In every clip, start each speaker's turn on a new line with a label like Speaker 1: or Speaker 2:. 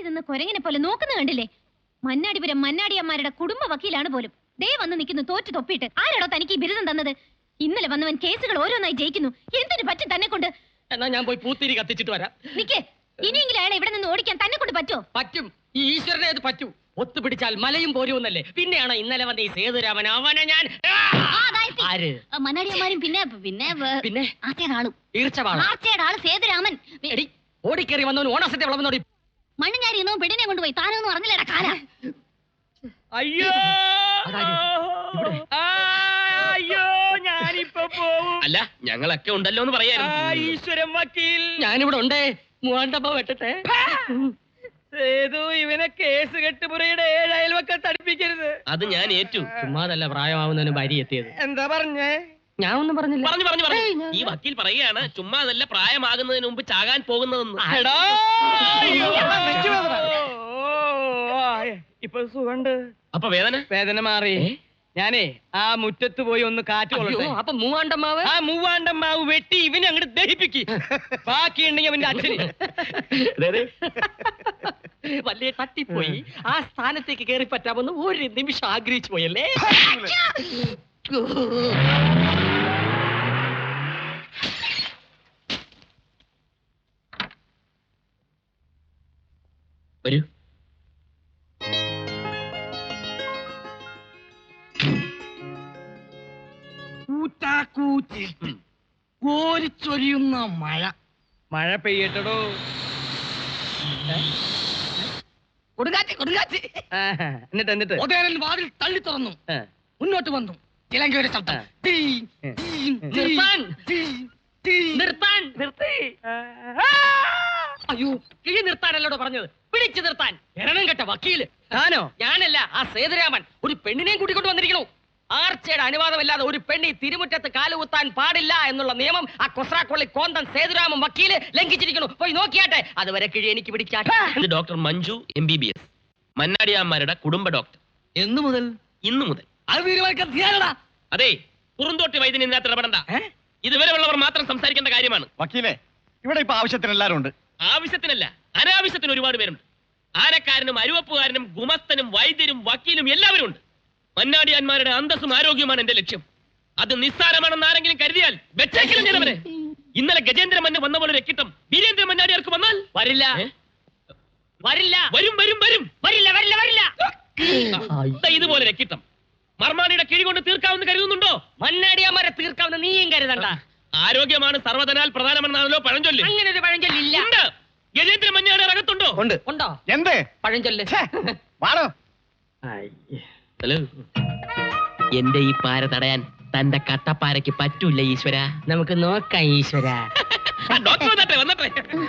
Speaker 1: നിന്ന് കൊരങ്ങിനെ പോലെ നോക്കുന്ന കണ്ടില്ലേ? മന്നാടിപുരം മന്നാടിയമ്മാരുടെ കുടുംബ വക്കീലാണ് പോലും. ദേ വന്ന് നിൽക്കുന്നു തോറ്റു തൊപ്പിയിട്ട്. ആരാടോ തനിക്ക് ഈ ബിരുദം തന്നത്? ഇന്നലെ വന്നവൻ കേസുകൾ ഓരോന്നായി ജയിക്കുന്നു. എന്തിനു പറ്റും തന്നെ കൊണ്ട്?
Speaker 2: എന്നാ ഞാൻ പോയി പൂത്തിരി കത്തിച്ചിട്ട് വരാം.
Speaker 1: നിക്കേ, ഇനിയെങ്കിലും അയാളെ ഇവിടെ നിന്ന് ഓടിക്കാൻ തന്നെ കൊണ്ട് പറ്റോ?
Speaker 2: പറ്റും. ഈ ഈശ്വരനെ അത് പറ്റൂ. ഒത്തുപിടിച്ചാൽ മലയും പോരുമെന്നല്ലേ. പിന്നെയാണോ ഇന്നലെ വന്ന ഈ സേതുരാമൻ? അവനെ ഞാൻ
Speaker 1: മന്നാടിയമ്മാരും പിന്നെ പിന്നെ
Speaker 2: പിന്നെ
Speaker 1: ആർച്ചയുടെ ആളും.
Speaker 2: ആർച്ചയുടെ
Speaker 1: ആള് സേതുരാമൻ.
Speaker 2: ഓടിക്കേറി വന്നവന് ഓണസത്തെ വളർന്നോടി.
Speaker 1: മണ്ണ് ഞാൻ ഇരുന്നോ പെണ്ണിനെ കൊണ്ടുപോയി. താനൊന്നും അറിഞ്ഞില്ലടാ കാല.
Speaker 3: അയ്യോ അയ്യോ, ഞാനിപ്പോ പോവും.
Speaker 2: അല്ല, ഞങ്ങളൊക്കെ ഉണ്ടല്ലോ എന്ന് പറയായിരുന്നു.
Speaker 3: ഈശ്വരൻ വക്കീൽ,
Speaker 2: ഞാനിവിടെ ഉണ്ടേ. മൂവാണ്ടപ്പ വെട്ടട്ടെ.
Speaker 3: സേതു, ഇവനെ കേസ് കെട്ടുപുറയുടെ 7 അയൽവക്കത്ത് അടുപ്പിക്കരുത്.
Speaker 2: അത് ഞാൻ ഏറ്റു. ചുമ്മാതല്ല പ്രായമാവുന്നതിന് ഭാര്യ എത്തിയത്.
Speaker 3: എന്താ പറഞ്ഞേ?
Speaker 2: ഞാൻ ഒന്നും പറഞ്ഞില്ല. പറഞ്ഞു. ഈ വക്കീൽ പറയുകയാണ് ചുമ്മാതല്ല പ്രായമാകുന്നതിന് മുമ്പ് ചാകാൻ പോകുന്നതെന്ന്.
Speaker 3: ഇപ്പൊ സുഖണ്ട്.
Speaker 2: അപ്പൊ വേദന
Speaker 3: മാറി. ഞാനേ ആ മുറ്റത്ത് പോയി ഒന്ന് കാറ്റ് കൊള്ളട്ടെ.
Speaker 2: അപ്പൊ മൂവാണ്ടമ്മാവ്?
Speaker 3: ആ മൂവാണ്ടമ്മാവ് വെട്ടി ഇവനെ അങ്ങോട്ട് ദഹിപ്പിക്ക്. ബാക്കിയുണ്ടെങ്കിൽ അവന്റെ അച്ഛന്.
Speaker 2: വലിയ തട്ടിപ്പോയി. ആ സ്ഥാനത്തേക്ക് കയറി പറ്റാമെന്ന് ഒരു നിമിഷം ആഗ്രഹിച്ചു പോയല്ലേ. വരൂ.
Speaker 3: കോരിച്ചൊരിയുന്ന മഴ പെയ്യട്ടടോ.
Speaker 2: കൊടുങ്കാറ്റ്.
Speaker 3: എന്നിട്ട്
Speaker 2: വാതിൽ തള്ളി തുറന്നു. മുന്നോട്ട് വന്നു. ചിലങ്കയുടെ ശബ്ദം. നിർത്തി. അയ്യോ, കിഴി നിർത്താനല്ലോ പറഞ്ഞത്. പിടിച്ചു നിർത്താൻ. എരണം കെട്ട വക്കീല്.
Speaker 3: താനോ?
Speaker 2: ഞാനല്ല, ആ സേതുരാമൻ. ഒരു പെണ്ണിനെയും കൂട്ടിക്കൊണ്ട് വന്നിരിക്കണു. ആർച്ചയുടെ അനുവാദമില്ലാതെ ഒരു പെണ്ണി തിരുമുറ്റത്ത് കാലുകുത്താൻ പാടില്ല എന്നുള്ള നിയമം ആ കൊസ്രാക്കൊള്ളി കോന്തൻ സേതുരാമൻ വക്കീല് ലംഘിച്ചിരിക്കുന്നു. പോയി നോക്കിയാട്ടെ. അതുവരെ കിഴി എനിക്ക് പിടിക്കാൻ. ഡോക്ടർ മഞ്ജു MBBS, മന്നാടിയാമ്മാരുടെ കുടുംബ ഡോക്ടർ.
Speaker 3: എന്നു മുതൽ?
Speaker 2: ഇന്നു മുതൽ.
Speaker 3: അത് തീരുമാനിക്കാൻ.
Speaker 2: അതെ, പുറന്തോട്ടി വൈദ്യൻ ഇതിനകത്ത് ഇടപെടണ്ട. ഇതുവരെ ഉള്ളവർ മാത്രം സംസാരിക്കേണ്ട കാര്യമാണ്.
Speaker 4: വക്കീലെ, ഇവിടെ ഇപ്പൊ ആവശ്യത്തിന് എല്ലാവരും ഉണ്ട്.
Speaker 2: ആവശ്യത്തിനല്ല, അനാവശ്യത്തിന് ഒരുപാട് പേരുണ്ട്. ആനക്കാരനും അരുവപ്പുകാരനും ഗുമസ്തനും വൈദ്യരും വക്കീലും എല്ലാവരും ഉണ്ട്. മന്നാടിയാന്മാരുടെ അന്തസ്സും ആരോഗ്യവുമാണ് എന്റെ ലക്ഷ്യം. അത് നിസ്സാരമാണെന്ന് ആരെങ്കിലും കരുതിയാൽ വെച്ചേക്കിലും ചെയ്തവരെ. ഇന്നലെ ഗജേന്ദ്ര മന്ന വന്ന പോലെ രക്കിട്ടം വീരേന്ദ്ര മന്നാടിയാർക്ക് വന്നാൽ വരില്ല. വരില്ല. ഇതുപോലെ രക്കിട്ടം മർമാണിയുടെ കിഴി കൊണ്ട് തീർക്കാവുന്ന കരുതുന്നുണ്ടോ? മന്നാടിയാമാരെ തീർക്കാവുന്ന നീയും കരുതണ്ട. ആരോഗ്യമാണ് സർവ്വതനാൽ പ്രധാനമെന്നാണല്ലോ പഴഞ്ചൊല്ല്. അങ്ങനെ ഒരു പഴഞ്ചൊല്ലില്ല. ഗജേന്ദ്ര മന്നാടി അകത്തുണ്ടോ? ഉണ്ടോ?
Speaker 4: എന്ത്
Speaker 2: പഴഞ്ചൊല്ല്?
Speaker 4: വാടോ.
Speaker 2: ഹലോ, എന്റെ ഈ പാര തടയാൻ തന്റെ കട്ടപ്പാരയ്ക്ക് പറ്റൂല ഈശ്വര. നമുക്ക് നോക്കാം ഈശ്വര. വന്നട്ടെ.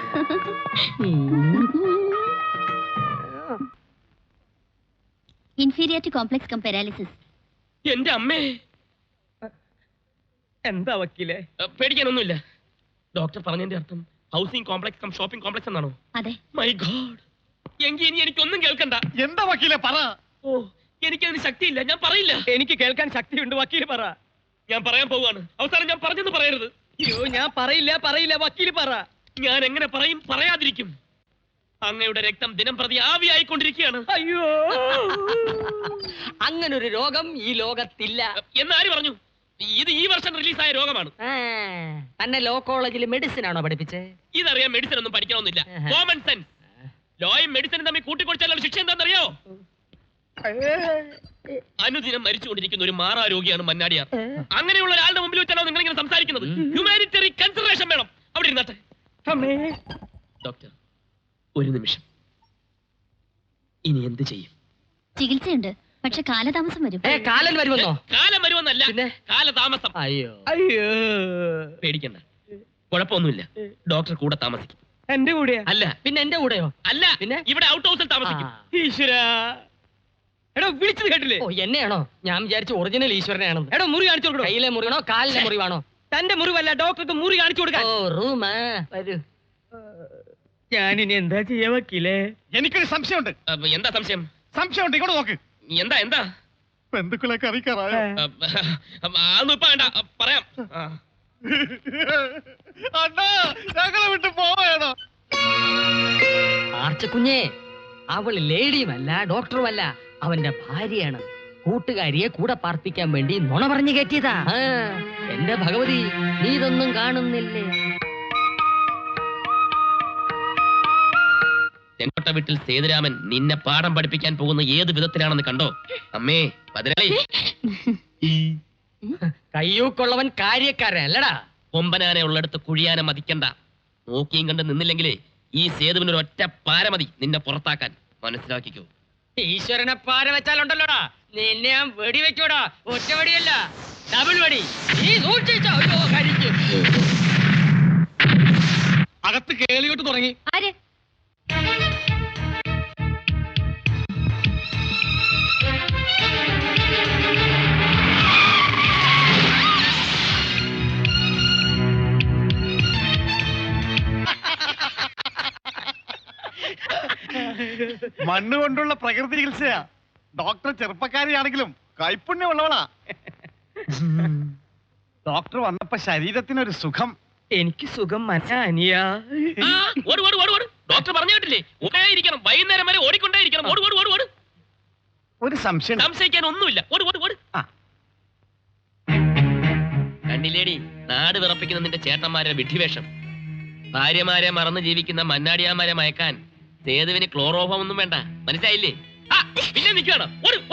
Speaker 1: Inferior complex cum paralysis.
Speaker 2: എന്റെ അമ്മേ.
Speaker 3: എന്താ വക്കീലെ?
Speaker 2: പേടിക്കാനൊന്നുമില്ല. ഡോക്ടർ പറഞ്ഞതിന്റെ അർത്ഥം housing complex cum shopping complex എന്നാണോ?
Speaker 1: അതെ.
Speaker 2: My god. എങ്കിൽ ഇനി എനിക്കൊന്നും കേൾക്കണ്ട.
Speaker 4: എന്താ വക്കീലെ പറ.
Speaker 2: ഓ, എനിക്കതിന് ശക്തിയില്ല. ഞാൻ പറയില്ല.
Speaker 3: എനിക്ക് കേൾക്കാൻ ശക്തിയുണ്ട്. വക്കീല് പറ.
Speaker 2: ഞാൻ പറയാൻ പോവാണ്. അവസാനം ഞാൻ പറഞ്ഞെന്ന് പറയരുത്.
Speaker 3: അയ്യോ, ഞാൻ പറയില്ല. വക്കീല് പറ.
Speaker 2: ഞാൻ എങ്ങനെ പറയും? പറയാതിരിക്കും. അങ്ങയുടെ രക്തം ദിനം പ്രതി ആവിയായിക്കൊണ്ടിരിക്കുകയാണ്.
Speaker 3: അയ്യോ,
Speaker 2: അങ്ങനൊരു രോഗം ഈ ലോകത്തില്ല എന്നാര് പറഞ്ഞു? ഇത് ഈ വർഷം റിലീസായ രോഗമാണ്. തന്നെ ലോ കോളേജിൽ മെഡിസിൻ ആണോ പഠിപ്പിച്ചേ? ഇതറിയാൻ മെഡിസിൻ ഒന്നും പഠിക്കണമെന്നില്ല. Common sense. ലോയും മെഡിസിനും തമ്മിൽ കൂട്ടിക്കൊടുച്ചാലുള്ള ശിക്ഷ എന്താണെന്നറിയോ? അനുദിനം മരിച്ചുകൊണ്ടിരിക്കുന്ന ഒരു മാറാരോഗിയാണ് മന്നാടിയാർ. അങ്ങനെയുള്ള ഒരാളുടെ മുമ്പിൽ വെച്ചാണോ നിങ്ങൾ ഇങ്ങനെ സംസാരിക്കുന്നത്? ഹ്യൂമാനിറ്ററി കൺസിഡറേഷൻ വേണം. അവിടെ ഇരുന്നാട്ടെ. ഡോക്ടർ, ഒരു നിമിഷം. ഇനി എന്ത് ചെയ്യും?
Speaker 1: ചികിത്സയുണ്ട്, പക്ഷെ കാലതാമസം വരും.
Speaker 2: കാലം വരുമെന്നോ? കാലം വരുമെന്നല്ല, പിന്നെ കാലതാമസം.
Speaker 3: അയ്യോ,
Speaker 2: പേടിക്കണ്ട, കുഴപ്പമൊന്നുമില്ല. ഡോക്ടർ കൂടെ താമസിക്കും.
Speaker 3: എന്റെ കൂടെയാ?
Speaker 2: അല്ല. പിന്നെ എന്റെ കൂടെയോ? അല്ല, പിന്നെ ഇവിടെ ഔട്ട് ഹൗസിൽ താമസിക്കും.
Speaker 3: ഈശ്വര, എടോ വിളിച്ചത് കേട്ടില്ലേ?
Speaker 2: ഓ, എന്നെയാണോ? ഞാൻ വിചാരിച്ചു ഒറിജിനൽ ഈശ്വരനെയാണെന്ന്.
Speaker 3: എടോ, മുറി കാണിച്ചു കൊടുക്കണോ?
Speaker 2: കയ്യിലെ മുറിവാണോ കാലിലെ മുറിവാണോ?
Speaker 3: തന്റെ മുറിവല്ല, ഡോക്ടർക്ക് മുറി കാണിച്ചു കൊടുക്കാൻ.
Speaker 2: ഓ, റൂമാ. വരൂ.
Speaker 3: ഞാനിനി എന്താ ചെയ്യാ വക്കീലേ?
Speaker 4: എനിക്കൊരു സംശയമുണ്ട്.
Speaker 2: എന്താ സംശയം?
Speaker 4: സംശയമുണ്ട്, ഇങ്ങോട്ട് നോക്ക്.
Speaker 2: എന്താ?
Speaker 4: ബന്ധുക്കളൊക്കെ അറിയിക്കാറായോ?
Speaker 2: അതൊന്നും ഇപ്പൊ വേണ്ട, പറയാം.
Speaker 4: അണ്ണാ, ഞങ്ങളെ വിട്ട് പോവേണോ?
Speaker 2: ആർച്ചക്കുഞ്ഞേ,
Speaker 3: അവള് ലേഡിയുമല്ല ഡോക്ടറുമല്ല, അവന്റെ ഭാര്യയാണ്. കൂട്ടുകാരിയെ കൂടെ പാർപ്പിക്കാൻ വേണ്ടി നുണ പറഞ്ഞു കയറ്റിയതാ. എന്റെ ഭഗവതി, നീ ഇതൊന്നും കാണുന്നില്ലേ?
Speaker 2: ചെങ്കോട്ട വീട്ടിൽ സേതുരാമൻ നിന്നെ പാഠം പഠിപ്പിക്കാൻ പോകുന്ന ഏത് വിധത്തിലാണെന്ന് കണ്ടോ? അമ്മേ പതിനാളി,
Speaker 3: കയ്യൂക്കുള്ളവൻ കാര്യക്കാരൻ അല്ലടാ.
Speaker 2: കൊമ്പനാനെ ഉള്ളിടത്ത് കുഴിയാനെ മതിക്കണ്ട. നോക്കിയും കണ്ട് നിന്നില്ലെങ്കിലേ ഈ സേതുവിനൊരു ഒറ്റ പാര മതി നിന്നെ പുറത്താക്കാൻ. മനസ്സിലാക്കിക്കോ.
Speaker 3: ഈശ്വരനെ പാര വെച്ചാലുണ്ടല്ലോടാ, നിന്നെ ഞാൻ വെടി വെച്ചോടാ. ഒറ്റ വെടിയല്ല, ഡബിൾ വെടി. നീ സൂക്ഷിച്ചോ. കരിച്ചു.
Speaker 4: അകത്ത് കേളിയോട്ട് തുടങ്ങി.
Speaker 1: ആര്?
Speaker 4: മണ്ണ് കൊണ്ടുള്ള പ്രകൃതി ചികിത്സയാ. ഡോക്ടർ ചെറുപ്പക്കാരിയാണെങ്കിലും കൈപ്പുണ്യമുള്ളവളാ. ഡോക്ടർ വന്നപ്പോ ശരീരത്തിനൊരു സുഖം.
Speaker 3: എനിക്ക് സുഖം മനസ്സിലാ.
Speaker 2: ഡോക്ടർ പറഞ്ഞു കേട്ടില്ലേ, ഓടേ ഇരിക്കണം, വൈകുന്നേരം വരെ ഓടിക്കൊണ്ടേ ഇരിക്കണം. ഓട് ഓട് ഓട് ഓട്.
Speaker 4: ഒരു സംശയം.
Speaker 2: സംശയിക്കാൻ ഒന്നുമില്ല. ഓട് ഓട് ഓട്. കണ്ടില്ലേടി നാട് വിറപ്പിക്കുന്ന നിന്റെ ചേട്ടന്മാരെ വിഡ്ഢിവേഷം. ഭാര്യമാരെ മറന്ന് ജീവിക്കുന്ന മന്നാടിയാമാരെ മയക്കാൻ സേതുവിന് ക്ലോറോഫോം ഒന്നും വേണ്ട. മനസ്സിലായില്ലേ? പിന്നെ നിൽക്കണം.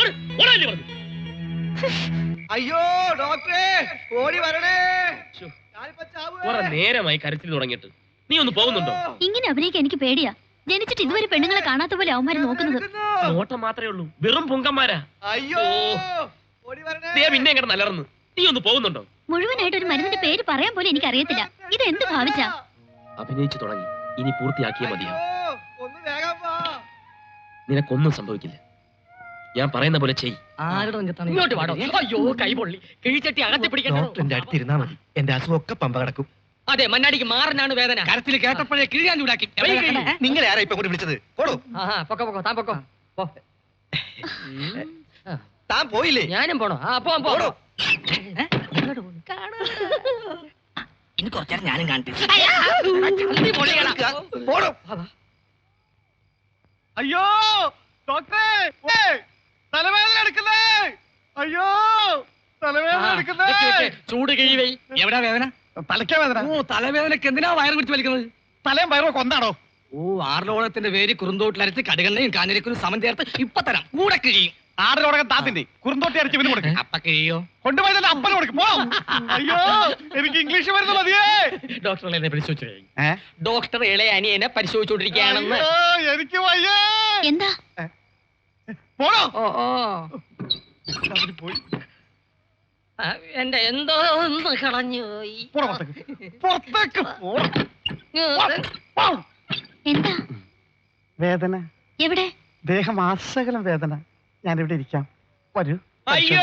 Speaker 4: അയ്യോ ഡോക്ടറെ, ഓടി വരണേ.
Speaker 2: കുറെ നേരമായി കരച്ചിൽ തുടങ്ങിയിട്ട്. നീ ഒന്ന് പോകുന്നുണ്ടോ?
Speaker 1: ഇങ്ങനെ അഭിനയിക്കാൻ എനിക്ക് പേടിയാ. ജനിച്ചിട്ട് ഇതുവരെ പെണ്ണുങ്ങളെ കാണാത്ത പോലെ അവന്മാര് നോക്കുന്നത്.
Speaker 2: നോട്ടം മാത്രമേ ഉള്ളൂ, വെറും പുങ്കന്മാരാ.
Speaker 4: അയ്യോ
Speaker 2: പിന്നെ എങ്ങനെ നല്ലറന്ന്. നീ ഒന്ന് പോകുന്നുണ്ടോ?
Speaker 1: മുഴുവനായിട്ട് ഒരു മരുന്നിന്റെ പേര് പറയാൻ പോലും എനിക്ക് അറിയത്തില്ല. ഇത് എന്ത് ഭാവിച്ചാ?
Speaker 2: അഭിനയിച്ചു തുടങ്ങി, ഇനി പൂർത്തിയാക്കിയേ മതിയാ. നിനക്കൊന്നും സംഭവിക്കില്ല. ഞാൻ പറയുന്ന പോലെ ചെയ്.
Speaker 3: ഇങ്ങോട്ട് വാടോ. അയ്യോ കൈ പൊള്ളി. കിഴിച്ചട്ടി അകത്തി പിടിക്കണ്ടോ?
Speaker 5: ഡോക്ടറിന്റെ അടുത്തിരുന്നാ മതി, എന്റെ അസുഖമൊക്കെ പമ്പ കിടക്കും.
Speaker 3: അതെ, മണ്ണാടിക്ക് മാറിനാണ് വേദന.
Speaker 4: കരത്തിൽ കേട്ടപ്പോഴേ കിഴിയാൻ ചൂടാക്കി.
Speaker 5: നിങ്ങളെ ആരാ ഇപ്പൊ കൂടി വിളിച്ചത്? പോടോ.
Speaker 3: പൊക്കോ പൊക്കോ, താൻ പൊക്കോ. പോ.
Speaker 5: താൻ പോയില്ലേ?
Speaker 3: ഞാനും പോണോ? പോവാം
Speaker 5: പോടോ.
Speaker 3: ഇനി കുറച്ചേരം ഞാനും കാണട്ടെ.
Speaker 5: പോടോ.
Speaker 4: അയ്യോ ഡോക്ടറെ, തലവേദന എടുക്കുന്നേ. അയ്യോ തലവേദന എടുക്കുന്നേ.
Speaker 3: ചൂട് കിഴിവേ.
Speaker 4: എവിടാ വേദന? തലയ്ക്കാ വേദന.
Speaker 3: തലവേദനക്ക് എന്തിനാ വയറ് പിടിച്ച് വലിക്കുന്നത്?
Speaker 4: തലയും വയറോ കൊന്നാണോ?
Speaker 3: ആർലോളത്തിന്റെ പേര് കുറുന്തോട്ടിലരച്ച് കടുകണ്ണയും കാഞ്ഞിരക്കും സമം ചേർത്ത് ഇപ്പൊ തരാം. കൂടെ കിഴിയും.
Speaker 4: ആടലോടകം താത്തിന്റെ കുറുന്തോട്ടി അരച്ച് ഇവന് കൊടുക്കും.
Speaker 3: അപ്പ കിഴിയോ?
Speaker 4: കൊണ്ടുപോയി തന്നെ അപ്പന് കൊടുക്കും. പോ. അയ്യോ എനിക്ക് ഇംഗ്ലീഷ് മരുന്ന് മതിയേ.
Speaker 3: ഡോക്ടർ എന്നെ പരിശോധിച്ചു. ഡോക്ടർ ഇളയ അനിയനെ പരിശോധിച്ചുകൊണ്ടിരിക്കുകയാണെന്ന്.
Speaker 4: എനിക്ക് വയ്യേ.
Speaker 1: എന്താ?
Speaker 4: പോണോ? പോയി.
Speaker 3: എന്റെ എന്തോ ഒന്ന് കളഞ്ഞു പോയി.
Speaker 4: പുറത്തേക്ക്
Speaker 1: എന്താ
Speaker 4: വേദന?
Speaker 1: എവിടെ?
Speaker 4: ദേഹം ആസകലം വേദന. ഞാൻ ഇവിടെ ഇരിക്കാം, വരൂ.
Speaker 2: അയ്യോ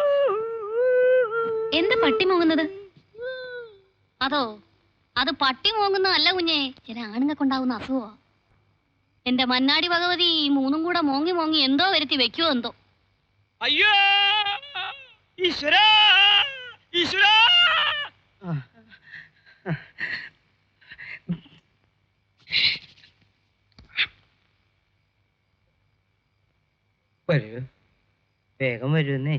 Speaker 1: എന്താ പട്ടി മോങ്ങുന്നത്? അതോ അത് പട്ടി മോങ്ങുന്നതല്ല കുഞ്ഞേ, ചില ആണുങ്ങൾക്കുണ്ടാവുന്ന അസുഖോ. എന്റെ മന്നാടി ഭഗവതി മൂന്നും കൂടെ മോങ്ങി മോങ്ങി എന്തോ വരുത്തി വെക്കുവോ എന്തോ.
Speaker 2: അയ്യോ ഈശ്വരാ, ഈശ്വരാ.
Speaker 3: വരൂ, വേഗം വരുന്നേ.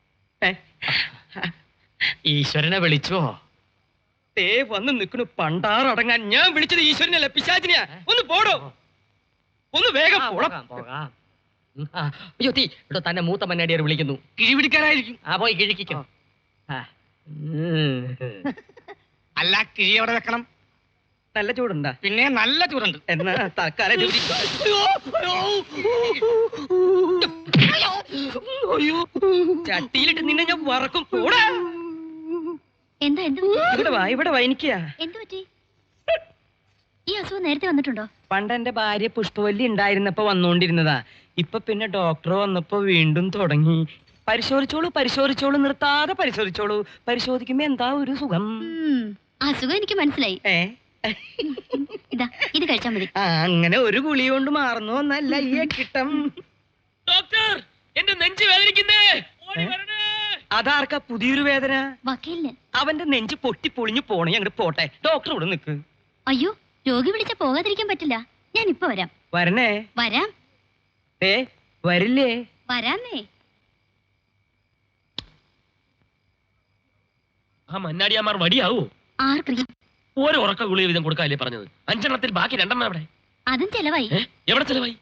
Speaker 3: ഈശ്വരനെ വിളിച്ചോ? തേ വന്ന് നിൽക്കണു പണ്ടാറടങ്ങാൻ. ഞാൻ വിളിച്ചത് ഈശ്വരനല്ല, പിശാചിനെയാ. ഒന്ന് പോടോ, ഒന്ന് വേഗം പോകാം. അയ്യോ തീ ഇവിടെ തന്നെ മൂത്ത മന്നാടിയാർ വിളിക്കുന്നു.
Speaker 4: കിഴി പിടിക്കാനായിരിക്കും.
Speaker 3: പോയി കിഴിക്കോ.
Speaker 4: അല്ല, കിഴി എവിടെ വെക്കണം?
Speaker 3: നല്ല ചൂടുണ്ടാ?
Speaker 4: പിന്നെ നല്ല ചൂടുണ്ട്.
Speaker 3: എന്നാ തൽക്കാലം ചട്ടിയിലിട്ട് നിന്നെ ഞാൻ വറക്കും. പോടാ.
Speaker 1: എന്താ? എന്ത്
Speaker 3: ഇവിടെ വാ. എനിക്കാ.
Speaker 1: എന്ത് പറ്റി? ഈ അസുഖം നേരത്തെ വന്നിട്ടുണ്ടോ?
Speaker 3: പണ്ട് എന്റെ ഭാര്യ പുഷ്പവല്ലി ഉണ്ടായിരുന്നപ്പോ വന്നോണ്ടിരുന്നതാ. ഇപ്പൊ പിന്നെ ഡോക്ടർ വന്നപ്പോ വീണ്ടും തുടങ്ങി. പരിശോധിച്ചോളൂ, നിർത്താതെ പരിശോധിച്ചോളൂ. പരിശോധിക്കുമ്പോ എന്താ ഒരു സുഖം.
Speaker 1: അസുഖം എനിക്ക് മനസ്സിലായി. ഇതാ ഇത് കഴിച്ചാൽ മതി.
Speaker 3: അങ്ങനെ ഒരു ഗുളി കൊണ്ട് മാറുന്നു എന്നല്ല ഈ കിട്ടം.
Speaker 2: ഡോക്ടർ, എന്റെ നെഞ്ച് വേദനിക്കുന്നേ.
Speaker 3: അതാർക്കാ പുതിയൊരു വേദന?
Speaker 1: വക്കീലിന്.
Speaker 3: അവന്റെ നെഞ്ച് പൊട്ടി പൊളിഞ്ഞു പോണേ, അങ്ങോട്ട് പോട്ടെ. ഡോക്ടർ ഇവിടെ നിൽക്ക്.
Speaker 1: അയ്യോ, രോഗി വിളിച്ച പോകാതിരിക്കാൻ പറ്റില്ല. ഞാൻ ഇപ്പൊ വരാം.
Speaker 3: വരണേ.
Speaker 1: വരാം.
Speaker 3: വരില്ലേ?
Speaker 1: വരാന്നേ.
Speaker 2: ആ മന്നാടിയാമാർ വടിയാവോ?
Speaker 1: ആർക്കറിയാം?
Speaker 2: ഓരോ ഉറക്ക ഗുളിക വീതം കൊടുക്കാല്ലേ പറഞ്ഞത്? 5 എണ്ണത്തിൽ ബാക്കി 2 എവിടെ?
Speaker 1: അതും ചെലവായി.
Speaker 2: എവിടെ ചെലവായി?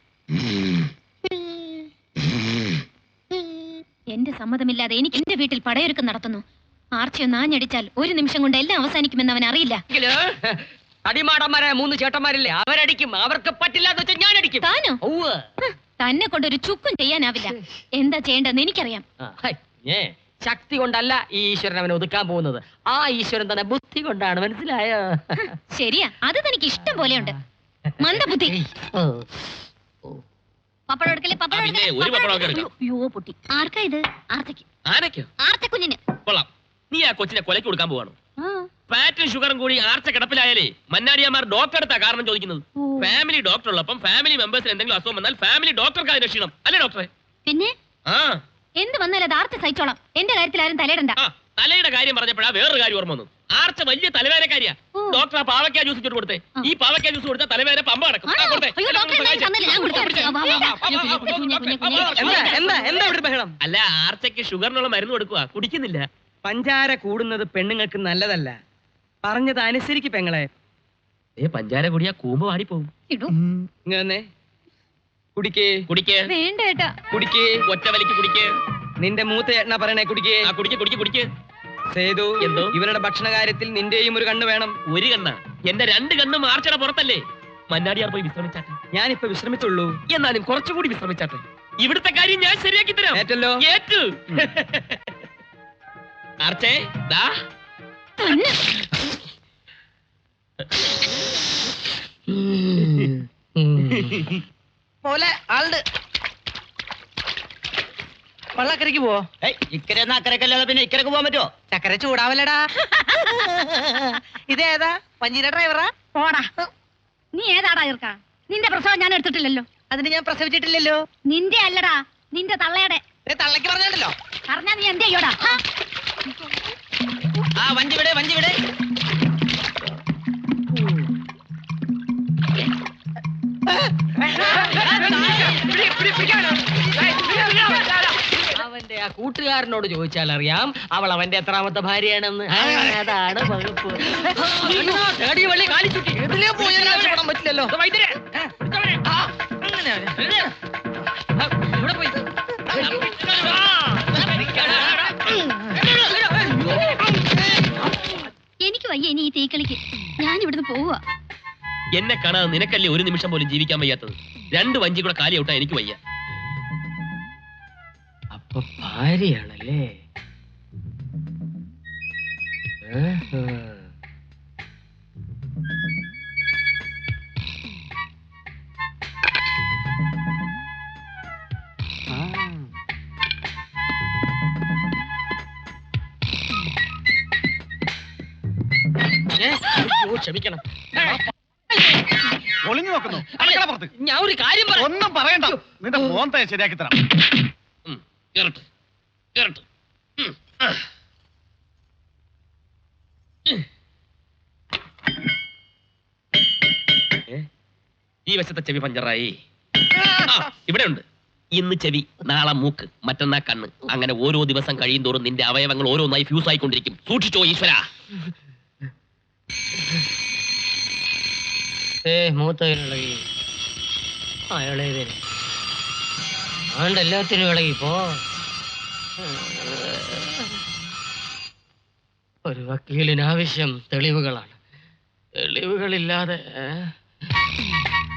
Speaker 1: എന്റെ സമ്മതമില്ലാതെ എനിക്ക് എന്റെ വീട്ടിൽ പടയൊരുക്കം നടത്തുന്നു. ആർച്ചയൊന്ന് ആഞ്ഞടിച്ചാൽ 1 നിമിഷം കൊണ്ട് എല്ലാം അവസാനിക്കുമെന്ന് അവൻ അറിയില്ല.
Speaker 3: അടിമാടന്മാരായ 3 ചേട്ടന്മാരില്ലേ, അവരടിക്കും. അവർക്ക് പറ്റില്ലാന്ന് വെച്ചാൽ ഞാൻ അടിക്കും.
Speaker 1: താനോ? തന്നെ കൊണ്ടൊരു ചുക്കും ചെയ്യാനാവില്ല. എന്താ ചെയ്യേണ്ടതെന്ന് എനിക്കറിയാം.
Speaker 3: ശക്തി കൊണ്ടല്ല ഈ ഈശ്വരൻ അവനെ ഒതുക്കാൻ പോകുന്നത്. ആ ഈശ്വരൻ തന്നെ ബുദ്ധി കൊണ്ടാണ്, മനസ്സിലായോ?
Speaker 1: ശരിയാ, അത് തനിക്ക് ഇഷ്ടം പോലെയുണ്ട്. മന്ദബുദ്ധി. പപ്പടം എടുക്കലേ, പപ്പടം
Speaker 2: ആ, പിന്നെ ഒരു പപ്പടം ഒക്കെ എടുക്കാം.
Speaker 1: അയ്യോ പൊട്ടി. ആർക്കാ ഇത്? ആർച്ചയ്ക്ക്.
Speaker 2: ആനയ്ക്കോ?
Speaker 1: ആർച്ചക്കുഞ്ഞിന്.
Speaker 2: കൊള്ളാം. നീ ആ കൊച്ചിനെ കൊലയ്ക്ക് കൊടുക്കാൻ പോവാണോ?
Speaker 1: ആ.
Speaker 2: ഫാറ്റും ഷുഗറും കൂടി ആർച്ച കിടപ്പിലായാലേ മന്നാടിയാമാർ ഡോക്ടർ എടുത്താ കാരണം ചോദിക്കുന്നത്.
Speaker 1: ഓ.
Speaker 2: ഫാമിലി ഡോക്ടർ ഉള്ളപ്പം ഫാമിലി മെമ്പേഴ്സിന് എന്തെങ്കിലും അസുഖം വന്നാൽ ഫാമിലി ഡോക്ടർക്ക് അതിന് ക്ഷീണം അല്ലേ ഡോക്ടറെ?
Speaker 1: പിന്നെ
Speaker 2: ആ
Speaker 1: എന്ത് വന്നാലും അത് ആർച്ച സഹിച്ചോളാം. എന്റെ കാര്യത്തിൽ ആരും തലയിടണ്ട.
Speaker 2: ആ തലയുടെ കാര്യം പറഞ്ഞപ്പോഴാ വേറൊരു കാര്യം ഓർമ്മ വന്നു. ആർച്ച വലിയ തലവേദനക്കാരിയാ.
Speaker 1: ഓ.
Speaker 2: ഡോക്ടർ ആ പാവയ്ക്കാ ജ്യൂസ് ഇട്ട് കൊടുത്തേ.
Speaker 1: ആ.
Speaker 2: ഈ പാവയ്ക്കാ ജ്യൂസ് കൊടുത്താൽ തലവേദന പമ്പ കിടക്കും.
Speaker 1: ആണോ? അയ്യോ, ഡോക്ടറെ, എന്തായാലും തന്നില്ല, ഞാൻ കൊടുക്കാം. വാ, വാ, വാ.
Speaker 3: എന്താ ഇവിടെ ബഹളം?
Speaker 2: അല്ല, ആർച്ചയ്ക്ക് ഷുഗറിനുള്ള മരുന്ന് കൊടുക്കുക, കുടിക്കുന്നില്ല.
Speaker 3: പഞ്ചാര കൂടുന്നത് പെണ്ണുങ്ങൾക്ക് നല്ലതല്ല. പറഞ്ഞത് അനുസരിക്ക് പെങ്ങളെ.
Speaker 2: പഞ്ചാര കുടിയാ കൂമ്പ് വാടിപ്പോവും.
Speaker 1: ഇടൂ.
Speaker 3: ഇങ്ങനെ കുടിക്കേ.
Speaker 2: കുടിക്ക്,
Speaker 1: വേണ്ട ഏട്ടാ.
Speaker 3: കുടിക്കേ.
Speaker 2: ഒറ്റ വലിക്ക് കുടിക്ക്.
Speaker 3: നിന്റെ മൂത്ത ചേട്ടനാ പറയണേ, കുടിക്കേ.
Speaker 2: ആ കുടിക്ക് കുടിക്ക് കുടിക്ക്.
Speaker 3: സേതു,
Speaker 2: എന്തോ?
Speaker 3: ഇവരുടെ ഭക്ഷണ കാര്യത്തിൽ നിന്റെയും ഒരു കണ്ണ് വേണം.
Speaker 2: ഒരു കണ്ണ? എന്റെ 2 കണ്ണും ആർച്ചയുടെ പുറത്തല്ലേ. മന്നാടിയാർ പോയി വിശ്രമിച്ചാട്ടെ.
Speaker 3: ഞാനിപ്പോ വിശ്രമിച്ചുള്ളൂ.
Speaker 2: എന്നാലും കുറച്ചുകൂടി വിശ്രമിച്ചാട്ടെ. ഇവിടുത്തെ കാര്യം ഞാൻ ശരിയാക്കി തരാം.
Speaker 3: ഏറ്റല്ലോ.
Speaker 2: ഏറ്റു. ആർച്ചേ, ദാ.
Speaker 1: തന്നെ.
Speaker 3: പോലെ ആളുടെ വള്ളക്കരക്ക് പോവോ?
Speaker 5: ഇക്കരെ അക്കരക്കല്ലാതെ പിന്നെ ഇക്കരക്ക് പോകാൻ പറ്റുമോ?
Speaker 3: ചക്കര ചൂടാവല്ലടാ. ഇതേതാ? പഞ്ചീര ഡ്രൈവറാ?
Speaker 1: പോടാ. നീ ഏതാടാ ഇർക്ക? നിന്റെ പ്രസവം ഞാൻ എടുത്തിട്ടില്ലല്ലോ.
Speaker 3: അതിന് ഞാൻ പ്രസവിച്ചിട്ടില്ലല്ലോ.
Speaker 1: നിന്റെ അല്ലടാ, നിന്റെ തള്ളയുടെ.
Speaker 3: തള്ളക്ക് പറഞ്ഞല്ലോ.
Speaker 1: പറഞ്ഞാ നീ എന്ത് ചെയ്യോടാ?
Speaker 3: ആ വഞ്ചി വിടെ, വഞ്ചി വിടെ. അവന്റെ ആ കൂട്ടുകാരനോട് ചോദിച്ചാൽ അറിയാം അവൾ അവന്റെ എത്രാമത്തെ ഭാര്യയാണെന്ന്. അതാണ് വകുപ്പ്. വള്ളി കാലിച്ചുട്ടി എതിലേ പോയാലും പറ്റില്ലല്ലോ. ഇവിടെ പോയി.
Speaker 1: എനിക്ക് വയ്യ ഇനി ഈ തീക്കളിക്ക്. ഞാൻ ഇവിടുന്ന് പോവുക.
Speaker 2: എന്നെ കാണാതെ നിനക്കല്ലേ ഒരു നിമിഷം പോലും ജീവിക്കാൻ വയ്യാത്തത്. 2 വഞ്ചി കൂടെ കാലി ഔട്ടാ എനിക്ക് വയ്യ.
Speaker 3: അപ്പൊ ഭാര്യയാണല്ലേ? ക്ഷമിക്കണം.
Speaker 4: ഒളിഞ്ഞു നോക്കുന്നു. അടുക്കള പുറത്ത്.
Speaker 3: ഞാൻ ഒരു കാര്യം
Speaker 4: ഒന്നും പറയണ്ട. നിന്റെ മോന്തെ ശരിയാക്കി തരാം.
Speaker 2: കേറട്ടെ, കേറട്ടെ. ഈ വശത്തെ ചെവി പഞ്ചറായി. ഇവിടെ ഉണ്ട്. ഇന്ന് ചെവി, നാളെ മൂക്ക്, മറ്റന്നാ കണ്ണ്. അങ്ങനെ ഓരോ ദിവസം കഴിയും തോറും നിന്റെ അവയവങ്ങൾ ഓരോന്നായി ഫ്യൂസ് ആയിക്കൊണ്ടിരിക്കും. സൂക്ഷിച്ചോ ഈശ്വര.
Speaker 3: മൂത്ത ഇളകി. ആ ഇളയതിന് ആണ്ട് എല്ലാത്തിനും ഇളകിപ്പോ. ഒരു വക്കീലിന് ആവശ്യം തെളിവുകളാണ്. തെളിവുകളില്ലാതെ